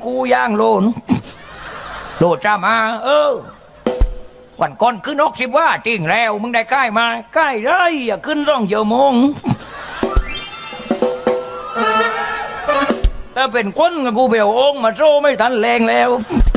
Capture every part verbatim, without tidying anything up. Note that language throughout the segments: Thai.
กูย่างโลนโลจ้ามาเออวันก่อนขึ้นนกสิบว่าจริงแล้วมึงได้ใกล้มาใกล้ไรอย่าขึ้นร่องเยอะมงถ้าเป็นคนกับกูเบลองมาโซ่ไม่ทันแรงแล้ว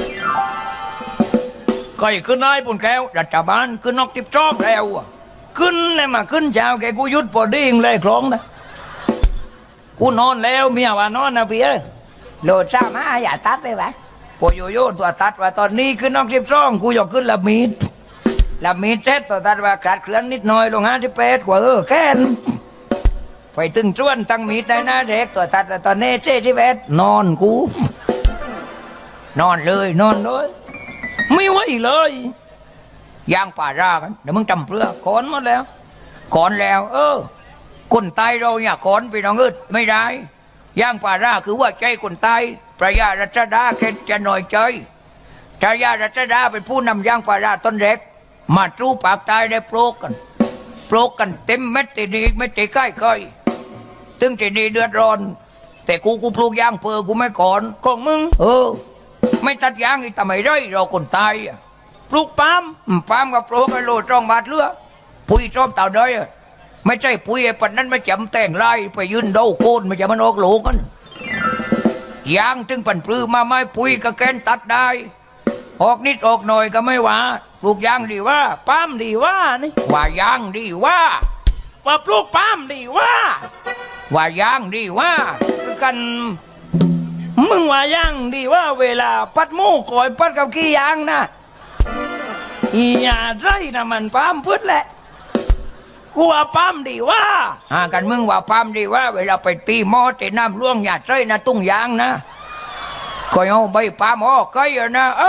ก็ขึ้นได้ปุ่นแก้วรัฐบาลขึ้นนกทิพย์ชอบแล้วขึ้นเลยมาขึ้นเช้าแกกูยุดพอดีงเลยคล้องนะกูนอนแล้วเมียว่านอนนะพี่เอ้ยโหลดจ้ามาอย่าตัดเลยไหมพอโยโย่ตัวตัดว่าตอนนี้ขึ้นนกทิพย์ช่องกูอยากขึ้นละมีดละมีดเซ็ตตัวตัดว่าขาดเคลื่อนนิดหน่อยลงห้าที่เป็ดกว่าเออแค่นไปตึงจ้วนตั้งมีดได้นะเด็กตัวตัดตอนนี้เจ๊ที่เป็ดนอนกูนอนเลยนอนเลยไม่ไหวเลยย่างป่ารากันเดี๋ยวมึงจำเปลือกก้อนหมดแล้วก้อนแล้วเออคนตายเราเนี่ยก้อนไปน้องอึดไม่ได้ย่างป่าราคือว่าใจคนตายพระยารัชดาแค่จะหน่อยใจพระยารัชดาเป็นผู้นำย่างป่าราต้นเล็กมาจู้ปากตายได้โปรกกันโปรกกันเต็มเม็ดตีนี้ไม่ตีใกล้ใกล้ตึงตีนี้เดือดร้อนแต่กูกูปลูกย่างเปลือกกูไม่ก่อนของมึงเออไม่ตัดย่างอีกทำไมได้เราคนตายปลูกปาล์มปาล์มกับปลูกกันโลจ้องบาทเลือปุ๋ยชอบเต่าได้ไม่ใช่ปุ๋ยไอ้ปันนั้นไม่จำแต่งไล่ไปยืนเดาโคนไม่จะมันออกโหลกันยางถึงปั่นปลื้มมาไม่ปุ๋ยก็แกนตัดได้ออกนิดออกหน่อยก็ไม่ว่าปลูกยางดีว่าปาล์มดีว่านี่ว่ายางดีว่าว่าปลูกปาล์มดีว่าว่ายางดีว่ากันมึงว่ายางดีว่าเวลาปัดหมูก่อยปัดกับขี้ยางนะอีหยาไรนะมันปาล์มพุทธแหละกูว่าปาล์มดีว่าอ่ากันมึงว่าปาล์มดีว่าเวลาไปตีหม้อตีน้ำล่วงหยาดไรนะตุ้งยางนะก็เอาใบปาล์มออกก็อยู่นะเอ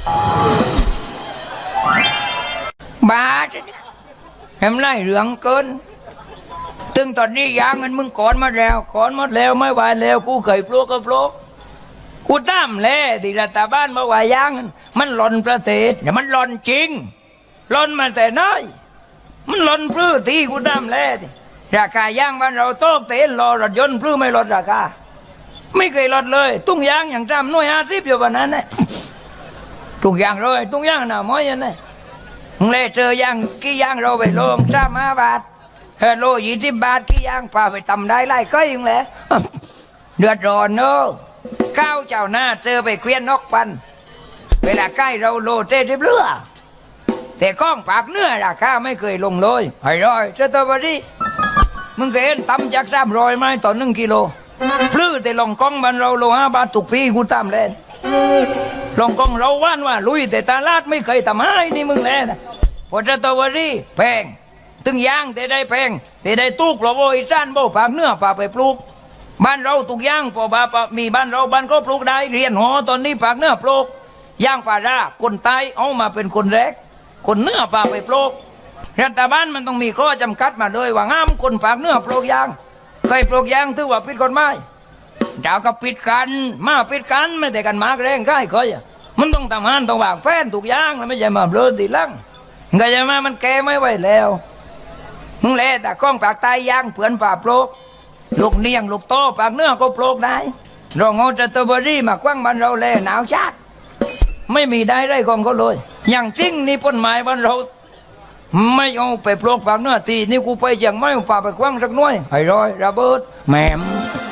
อบาดเห็นไรเหลืองเกินตึงตอนนี้ยางเงินมึงก่อนมาแล้วก่อนหมดแล้วไม่ไหวแล้วกูเคยปลูกก็ปลูกกูตามแลดิรัฐบาลมาว่ายางมันหล่นประเทศเนี่ยมันหล่นจริงหล่นมาแต่น้อยมันหล่นพื้นที่กูตามแลดิราคายางบ้านเราโต๊ะเตนรอรถยนต์พื้นไม่ลดราคาไม่เคยลดเลยตุ้งยางอย่างจำน้อยอาทิบอยู่วันนั้นเนี่ยตุ้งยางเลยตุ้งยางหนาม้อยยันเนี่ยมึงเลยเจอยางกี่ยางเราไปลงจ้ามาบาทเฮโลยี่สิบบาทกี่ยางพาไปทำได้ไล่ก็ยังแหละเดือดร้อนเนอะก้าวเจ้าหน้าเจอไปเคลียนนกปันเวลาใกล้เราโลเต้ที่เรือแต่ก้องปากเนื้อราคาไม่เคยลงเลยไอ้ร้อยสตรอเบอรี่มึงเคยเห็นตำจากสามร้อยไหมต่อหนึ่งกิโลพลื้แต่ลองกล้องมันเราโลห้าบาทตุกปีกูตามเล่นลองกล้องเราว่านว่าลุยแต่ตลาดไม่เคยทำให้นี่มึงเล่นพอสตรอเบอรี่แพงตึงยางแต่ได้แพงแต่ได้ตุกเราโวยจ้านโบปากเนื้อปากไปปลูกบ้านเราตุกย่างพอบามีบ้านเราบ้านก็ปลูกได้เรียนหอตอนนี้ปากเนื้อปลูกย่างปลาราคนตายเอามาเป็นคนแรกคนเนื้อปากไปปลูกรัฐบาลมันต้องมีข้อจำกัดมาเลยว่าห้ามคนปากเนื้อปลูกยางเคยปลูกยางถือว่าผิดกฎหมายเจ้าก็ปิดกันมาปิดกันไม่แต่กันมากแรงใกล้เคยมันต้องทำงานต้องวางแผนทุกอย่างแล้วไม่ใช่มาเบลอตีลังก็จะมามันแก่ไม่ไหวแล้วมึงเล่แต่ก้องปากตายยางเผื่อนป่าปลูกลูกเนียงลูกโตปากเนื้อก็ปลูกได้เราเอาสตรอเบอรี่มากว้างบ้านเราเลยหนาวชาติไม่มีได้ไรของเขาเลยอย่างจริงนี่ต้นไม้บ้านเราไม่เอาไปปลูกปากเนื้อตีนี่กูไปอย่างไม่ฝ่าไปกว้างสักน้อยไอ้ร้อยระเบิดแหมม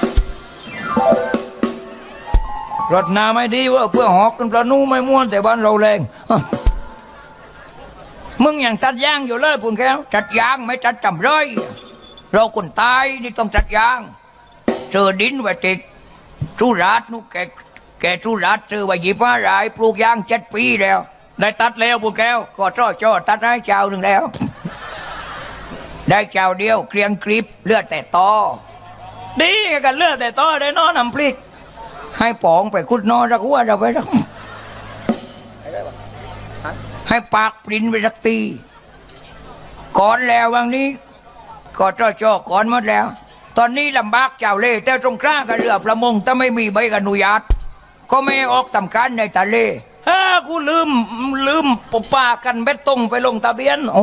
รถนาไม่ดีว่าเพื่อหอกกันปลานูไม่ม้วนแต่บ้านเราแรงมึงอย่างตัดยางอยู่เลยปุ่นแก้วตัดยางไม่ตัดจำเลยเราคนตายนี่ต้องตัดยางเจอดินไว้ติดสุราษฎร์นู่แกแกสุราษฎร์เจอไว้ยี่ห้ารายปลูกยางเจ็ดปีแล้วได้ตัดแล้วปุ่นแก้วก็จ่อจ่อตัดได้เจ้าหนึ่งแล้วได้เจ้าเดียวเกลียงกริบเลือดแต่ตอดีกันเลือดแต่ตอได้นอนน้ำพริกให้ปองไปคุดนอนรักหัวเราไปรักให้ปากปริ้นไปสักตีก่อนแล้ววันนี้ก็จ่อจ่อก่อนหมดแล้วตอนนี้ลำบากเจ้าเล่แต่ตรงกลางกับเรือประมงถ้าไม่มีใบอนุญาตก็ไม่ออกทำการในทะเลฮ่ากูลืมลืมปปากันเบ็ดตรงไปลงทะเบียน